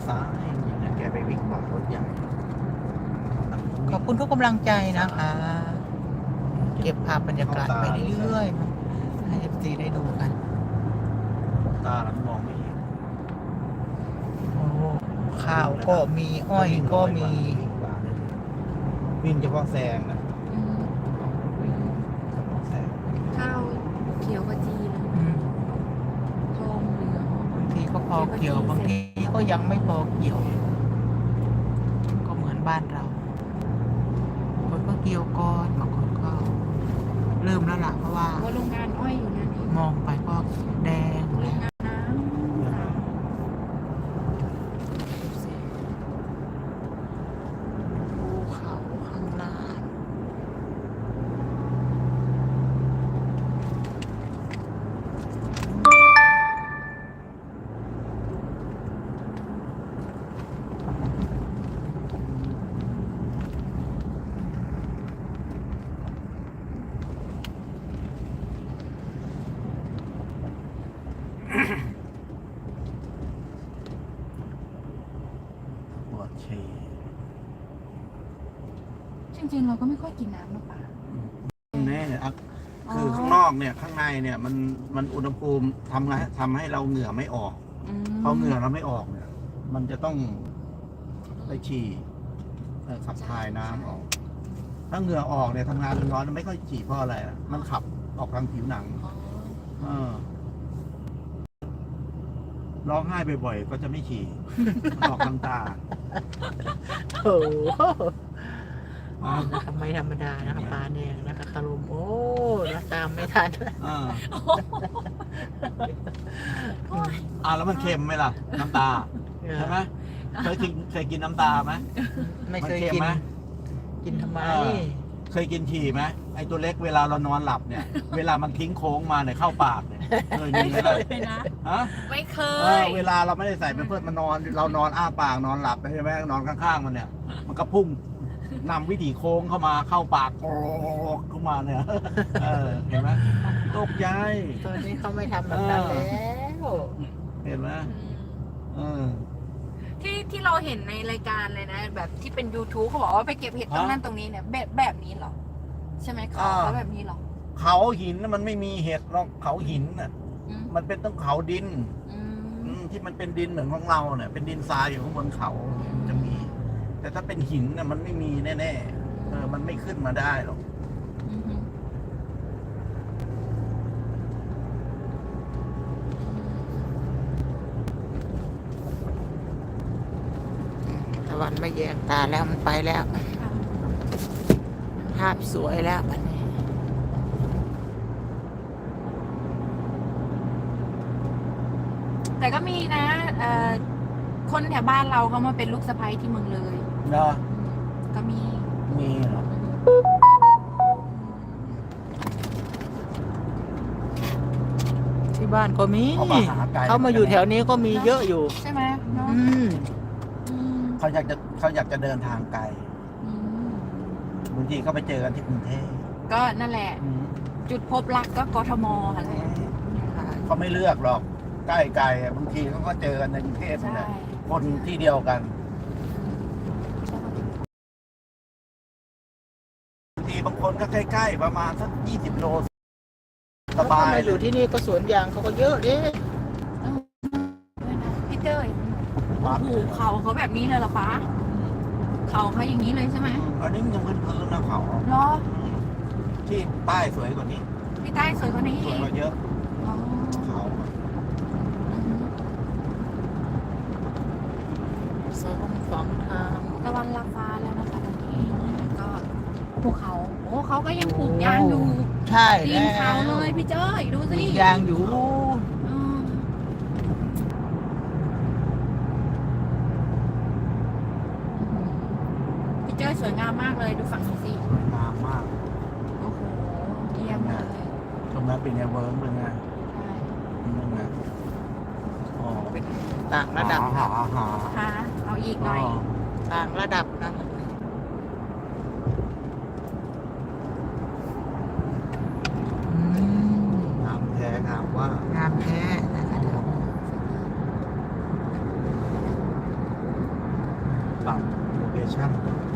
ซ้ายอย่างเงี้ยแกไปวิ่งขวารถใหญ่ขอบคุณทุกกำลังใจนะคะ เก็บภาพบรรยากาศไปเรื่อยๆให้FCได้ดูกันตาหลังมองไม่เห็นโอ้ข้าวก็มีอ้อยก็มีวิ่งเฉพาะแซงนะอืมเฉพาะแซงข้าวเขียวขจีเลยอืมทองเหลืองบางทีก็พอเกี่ยวบางทีก็ยังไม่พอเกี่ยว ก็เหมือนบ้านเราคนก็เกี่ยวก่อนบางคนก็เริ่มแล้วล่ะเพราะว่าว่าโรงงานอ้อยอยู่นั่นเองมองไปก็แดงโรแล้งวงานน้ำค่ะภูเขาข้างหน้าปวดฉี่จริงๆเราก็ไม่ค่อยกินน้ำนะป่าแน่อ่ะคือข้างนอกเนี่ยข้างในเนี่ยมันอุณหภูมิทำให้เราเหงื่อไม่ออกพอเหงื่อเราไม่ออกเนี่ย มันจะต้องไปฉี่ขับถ่ายน้ำออก ถ้าเหงื่อออกเนี่ยทำงานร้อนๆไม่ค่อยฉี่เพราะอะไรอ่ะมันขับออกทางผิวหนัง ร้องไห้บ่อยๆก็จะไม่ฉี่ ออกทางตาโอ้โหนะคะไม่ธรรมดานะคะปลาแดงนะคะคารมโอ้นะตามไม่ทันแล้วมันเค็มไหมล่ะ น้ำตา ใช่ไหมเคยกินน้ำตาไหมไม่เคยมันเค็มกินไหมกินทำไมเคยกินฉี่ไหมไอตัวเล็กเวลาเรานอนหลับเนี่ย เวลามันทิ้งโค้งมาเนี่ยเข้าปากเนี่ยเคยมีไหมล่ะเลยนะฮะไม่เคเวลาเราไม่ได้ใส่เป็นเพื่อนมันนอน เรานอนอ้าปากนอนหลับใช่ไหมนอนข้างๆมันเนี่ย มันก็พุ่งนำวิถีโค้งเข้ามาเข้าปากโอ้เข้ามาเนี่ยเห็นไหมตกใจตอนนี้เขาไม่ทำแบบนั้นแล้วเห็นไหมที่เราเห็นในรายการเลยนะ แบบที่เป็น YouTube เขาบอกว่าไปเก็บเห็ดตรงนั้นตรงนี้เนี่ยแบบนี้เหรอ ใช่ไหมเขาแบบนี้เหรอเขาหินน่ะมันไม่มีเห็ดหรอกเขาหินน่ะอืมมันเป็นต้องเขาดินอืมที่มันเป็นดินเหมือนของเราเนี่ยเป็นดินทรายอยู่ข้างบนเขาจะมี แต่ถ้าเป็นหินน่ะมันไม่มีแน่ๆมันไม่ขึ้นมาได้หรอกอืมตะวันไม่แยงตาแล้วมันไปแล้ว ภาพสวยแล้วบัดนี้แต่ก็มีนะคนแถวบ้านเราเขามาเป็นลูกสะใภ้ที่เมืองเลยเนาะก็มีมีเหรอที่บ้านก็มีเขามาหาไก่เขามาอยู่แถวนี้ก็มีเยอะอยู่ใช่ไหมเนาะอืมอืมเขาอยากจะเดินทางไกลอืมบางทีเขาไปเจอกันที่กรุงเทพก็นั่นแหละ จุดพบรักก็กทมอะไรเขาไม่เลือกหรอกใกล้ไกลบางทีเขาก็เจอกันในกรุงเทพนี่ใช่แหละคนที่เดียวกันบางทีบางคนก็ใกล้ๆประมาณสัก20 โลสบายเขมาอยู่ที่นี่ก็สวนยางเขาก็เยอะดิพี่เต้ยปั๊บโอ้โหเขาแบบนี้เลยเหรอปะเขาอย่างนี้เลยใช่ไหมอันนี้ยังพื้นนะเขาเหรอที่ป้ายสวยกว่านี้พี่ใต้สวยกว่านี้สวยกว่าเยอะอ๋อเขาสองฝั่งทางตะวันลาฟ้าแล้วนะคะตอนนี้ก็ภูเขาโอ้เขาก็ยังปลูกยางอยู่ใช่ตีแล้นเขาวเลยพี่เจ้ยดูสิยางอยู่อืมพี่เจ้ยสวยงามมากเลยดูฝั่งนี้สิสวยงามมากโอ้โหเยี่ยมเลยตรงนั้นเป็นไงเวิร์กเป็นไงใช่เป็นไงอ๋อเป็นต่างระดับหาค่ะเอาอีกหน่อยต่างระดับนะอืมงามแท้งามว่างามแท้นะคะปรับโลเคชั่น